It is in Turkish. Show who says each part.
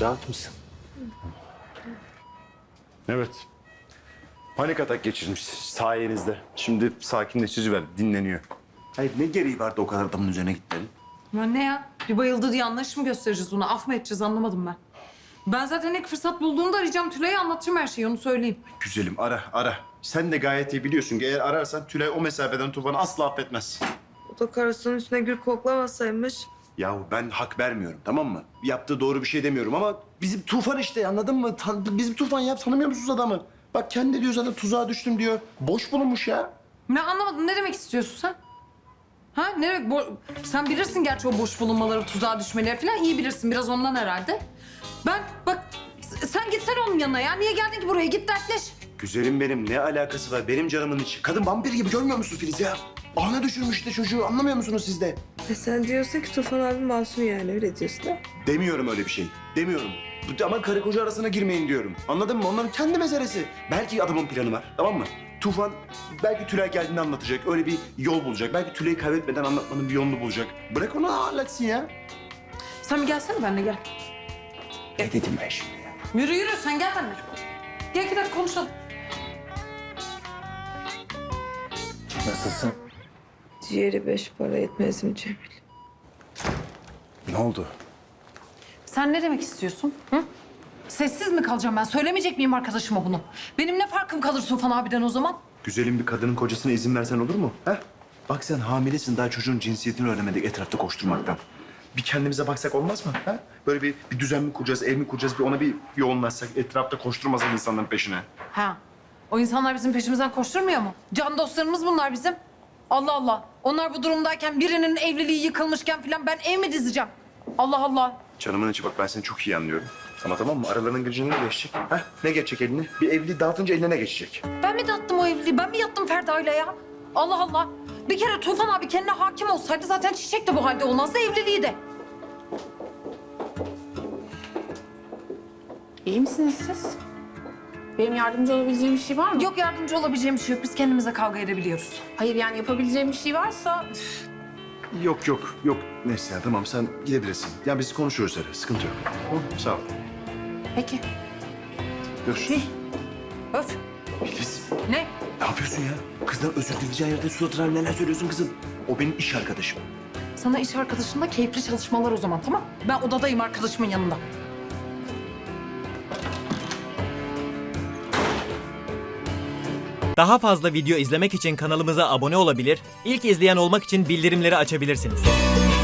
Speaker 1: rahat mısın?
Speaker 2: Evet. Panik atak geçirmiş sayenizde. Şimdi sakinleşici ver, dinleniyor. Hayır ne gereği vardı o kadar adamın üzerine gitmenin?
Speaker 3: Ya ne ya? Bir bayıldı diye anlayış mı göstereceğiz ona? Af mı edeceğiz anlamadım ben. Ben zaten ilk fırsat bulduğumda arayacağım Tülay'ı, anlatacağım her şeyi, onu söyleyeyim.
Speaker 2: Güzelim ara. Sen de gayet iyi biliyorsun ki eğer ararsan Tülay o mesafeden Tufan'ı asla affetmez.
Speaker 4: O da karısının üstüne gül koklamasaymış.
Speaker 2: Yahu ben hak vermiyorum tamam mı? Yaptığı doğru bir şey demiyorum ama bizim Tufan işte anladın mı? Bizim Tufan ya tanımıyor musunuz adamı? Bak kendi diyor zaten tuzağa düştüm diyor. Boş bulunmuş ya.
Speaker 3: Ne anlamadım, ne demek istiyorsun sen? Ha ne demek? Sen bilirsin gerçi o boş bulunmaları, tuzağa düşmeleri falan iyi bilirsin. Biraz ondan herhalde. Ben bak sen gitsene onun yanına ya. Niye geldin ki buraya? Git dertleş.
Speaker 2: Güzelim benim ne alakası var benim canımın içi. Kadın vampir gibi görmüyor musun Filiz ya? Ağına düşürmüş işte çocuğu anlamıyor musunuz siz de?
Speaker 4: Sen diyorsun ki Tufan abi masum yani öyle diyorsun da.
Speaker 2: Demiyorum öyle bir şey. Demiyorum. Ama karı koca arasına girmeyin diyorum. Anladın mı? Onların kendi meselesi. Belki adamın planı var. Tamam mı? Tufan belki Tülay geldiğinde anlatacak. Öyle bir yol bulacak. Belki Tülay'ı kaybetmeden anlatmanın bir yolunu bulacak. Bırak onu halletsin ya.
Speaker 3: Sen bir gelsene benimle gel.
Speaker 2: Ne dedim ben şimdi ya?
Speaker 3: Yürü sen gel benimle. Gel 2 dakika konuşalım.
Speaker 1: Nasılsın?
Speaker 4: Ciğeri 5 para etmez mi Cemil?
Speaker 2: Ne oldu?
Speaker 3: Sen ne demek istiyorsun? Hı? Sessiz mi kalacağım ben? Söylemeyecek miyim arkadaşıma bunu? Benim ne farkım kalır Tufan abiden o zaman?
Speaker 2: Güzelim bir kadının kocasına izin versen olur mu? Ha? Bak sen hamilesin daha çocuğun cinsiyetini öğrenemedik etrafta koşturmaktan. Bir kendimize baksak olmaz mı? Ha? Böyle bir düzen mi kuracağız, ev mi kuracağız? Bir ona bir yoğunlaşsak, etrafta koşturmasak insanların peşine.
Speaker 3: Ha. O insanlar bizim peşimizden koşturmuyor mu? Can dostlarımız bunlar bizim. Allah Allah. Onlar bu durumdayken birinin evliliği yıkılmışken falan ben ev mi dizeceğim? Allah Allah.
Speaker 2: Canımın içi bak ben seni çok iyi anlıyorum. Ama tamam mı? Aralarının gücüne ne geçecek? Ha? Ne geçecek eline? Bir evliliği dağıtınca eline ne geçecek?
Speaker 3: Ben mi dağıttım o evliliği? Ben mi yattım Ferda'yla ya? Allah Allah. Bir kere Tufan abi kendine hakim olsaydı zaten Çiçek de bu halde olmazdı, evliliği de.
Speaker 5: İyi misiniz siz? Benim yardımcı olabileceğim bir şey var mı?
Speaker 3: Yok, yardımcı olabileceğim bir şey yok. Biz kendimize kavga edebiliyoruz.
Speaker 5: Hayır yani yapabileceğim bir şey varsa...
Speaker 2: Yok. Neyse ya tamam sen gidebilirsin. Ya biz konuşuyoruz hele. Sıkıntı yok. Tamam, sağ ol.
Speaker 3: Peki.
Speaker 2: Görüşürüz.
Speaker 3: Öf.
Speaker 2: Filiz,
Speaker 3: Ne?
Speaker 2: ne yapıyorsun ya? Kızdan özür dileyeceğin yerde suratına neler söylüyorsun kızım? O benim iş arkadaşım.
Speaker 3: Sana iş arkadaşınla keyifli çalışmalar o zaman, tamam? Ben odadayım arkadaşımın yanında.
Speaker 6: Daha fazla video izlemek için kanalımıza abone olabilir, ilk izleyen olmak için bildirimleri açabilirsiniz.